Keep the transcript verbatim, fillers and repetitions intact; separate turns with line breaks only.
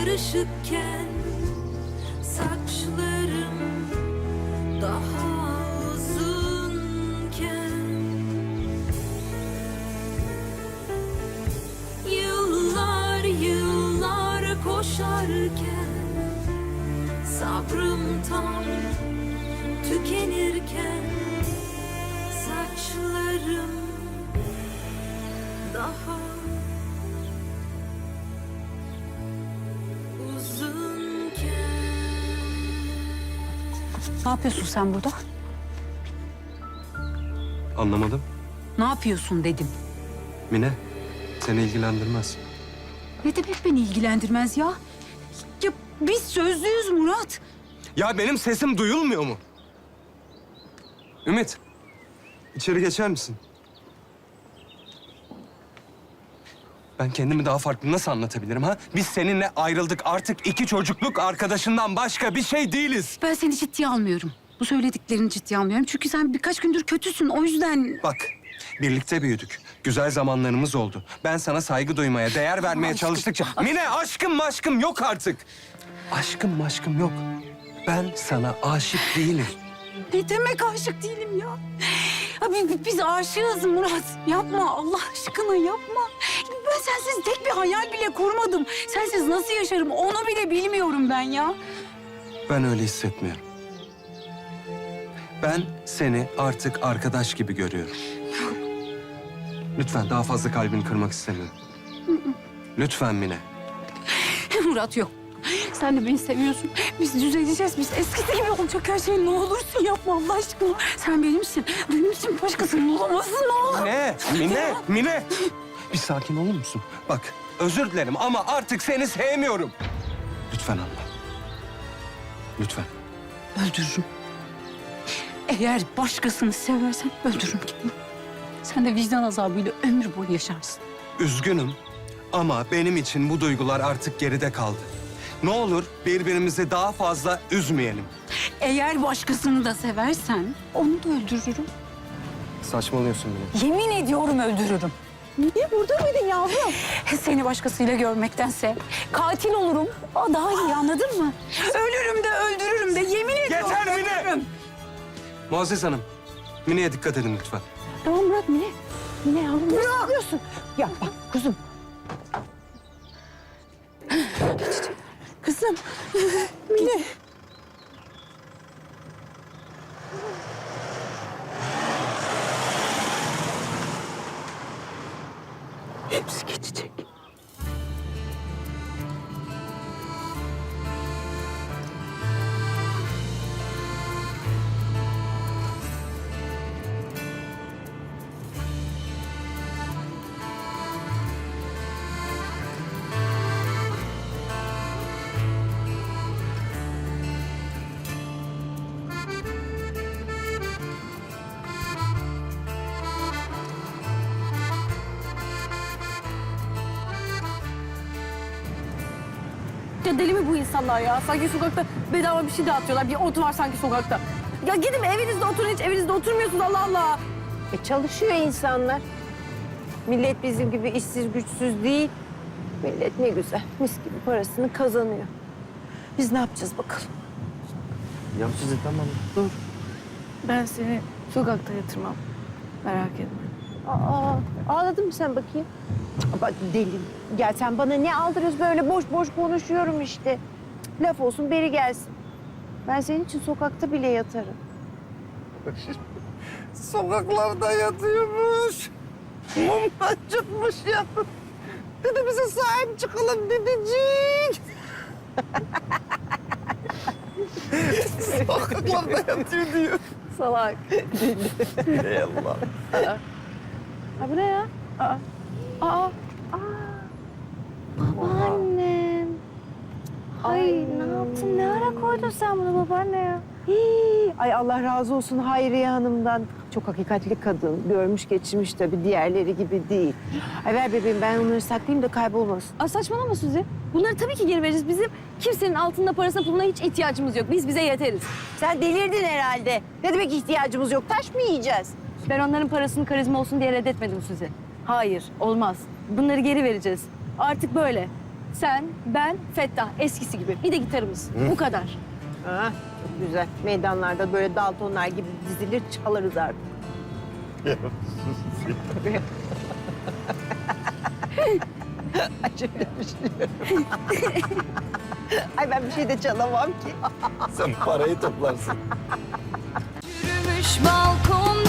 karışıkken saçlarım daha uzunken yıllar yıllar koşarken sabrım tam tükenirken saçlarım daha
Ne yapıyorsun sen burada?
Anlamadım.
Ne yapıyorsun dedim.
Mine, seni ilgilendirmez.
Ne demek beni ilgilendirmez ya? Ya biz sözlüyüz Murat.
Ya benim sesim duyulmuyor mu? Ümit, içeri geçer misin? Ben kendimi daha farklı nasıl anlatabilirim ha? Biz seninle ayrıldık. Artık iki çocukluk arkadaşından başka bir şey değiliz.
Ben seni ciddiye almıyorum. Bu söylediklerini ciddiye almıyorum. Çünkü sen birkaç gündür kötüsün. O yüzden...
Bak, birlikte büyüdük. Güzel zamanlarımız oldu. Ben sana saygı duymaya, değer vermeye
Aşkım,
çalıştıkça...
aşkım.
Mine, aşkım maşkım yok artık. Aşkım maşkım yok. Ben sana aşık değilim.
Ne demek aşık değilim ya? Abi biz aşığız Murat. Yapma Allah aşkına yapma. Ben sensiz tek bir hayal bile kurmadım. Sensiz nasıl yaşarım onu bile bilmiyorum ben ya.
Ben öyle hissetmiyorum. Ben seni artık arkadaş gibi görüyorum. Lütfen daha fazla kalbini kırmak istemiyorum. Lütfen Mine.
Murat yok. Sen de beni seviyorsun. Biz düzeleceğiz. Biz eskisi gibi olacak her şey. Ne olursun yapma Allah aşkına. Sen benimsin. Benim için başkasının olamazsın ne olur.
Mine, Mine, Mine. Bir sakin olur musun? Bak, özür dilerim ama artık seni sevmiyorum. Lütfen anla. Lütfen.
Öldürürüm. Eğer başkasını seversen öldürürüm kendimi. Sen de vicdan azabıyla ömür boyu yaşarsın.
Üzgünüm ama benim için bu duygular artık geride kaldı. Ne olur birbirimizi daha fazla üzmeyelim.
Eğer başkasını da seversen onu da öldürürüm.
Saçmalıyorsun Mine.
Yemin ediyorum öldürürüm. Niye burada mıydın yavrum? Seni başkasıyla görmektense katil olurum. O daha iyi anladın mı? Ölürüm de öldürürüm de yemin ediyorum
Yeter Mine!
öldürürüm.
Muazzez Hanım, Mine'ye dikkat edin lütfen.
Tamam Murat, Mine. Mine yavrum, ne yapıyorsun? Ya bak kuzum. Kızım, Mine. Hepsi geçecek.
Ya deli mi bu insanlar ya? Sanki sokakta bedava bir şey dağıtıyorlar. Bir ot var sanki sokakta. Ya gidin evinizde oturun, hiç evinizde oturmuyorsunuz Allah Allah.
E çalışıyor insanlar. Millet bizim gibi işsiz güçsüz değil. Millet ne güzel, mis gibi parasını kazanıyor. Biz ne yapacağız bakalım?
Ya size tamam, dur.
Ben seni sokakta yatırmam. Merak etme.
Aa, ağladın mı sen bakayım? Cık, bak deli. Gel sen bana ne aldırıyorsun böyle boş boş konuşuyorum işte. Cık, laf olsun beri gelsin. Ben senin için sokakta bile yatarım.
Sokaklarda yatıyormuş. Mumdan çıkmış ya. Dedi bize sahip çıkalım dedicik. Sokaklarda yatıyor diyor.
Salak.
Ey Allah.
Ha bu ne ya? Aa. Aa.
Babaannem. Ay ne yaptın? Ne ara koydun sen bunu babaanne ya? Hii, ay Allah razı olsun Hayriye Hanım'dan. Çok hakikatli kadın. Görmüş geçirmiş tabii. Diğerleri gibi değil. Ay ver bebeğim ben onları saklayayım da kaybolmasın.
Aa, saçmalama Suzi. Bunları tabii ki geri veririz. Bizim kimsenin altında parasına puluna hiç ihtiyacımız yok. Biz bize yeteriz.
Sen delirdin herhalde. Ne demek ihtiyacımız yok? Taş mı yiyeceğiz?
Ben onların parasını karizma olsun diye reddetmedim Suzi. Hayır, olmaz. Bunları geri vereceğiz. Artık böyle. sen, ben, Fettah. Eskisi gibi. Bir de gitarımız. Bu kadar.
Ha, çok güzel. Meydanlarda böyle Daltonlar gibi dizilir çalarız artık. Ay çok düşünüyorum. Ay ben bir şey de çalamam ki.
Sen parayı toplarsın.
Yürümüş balkon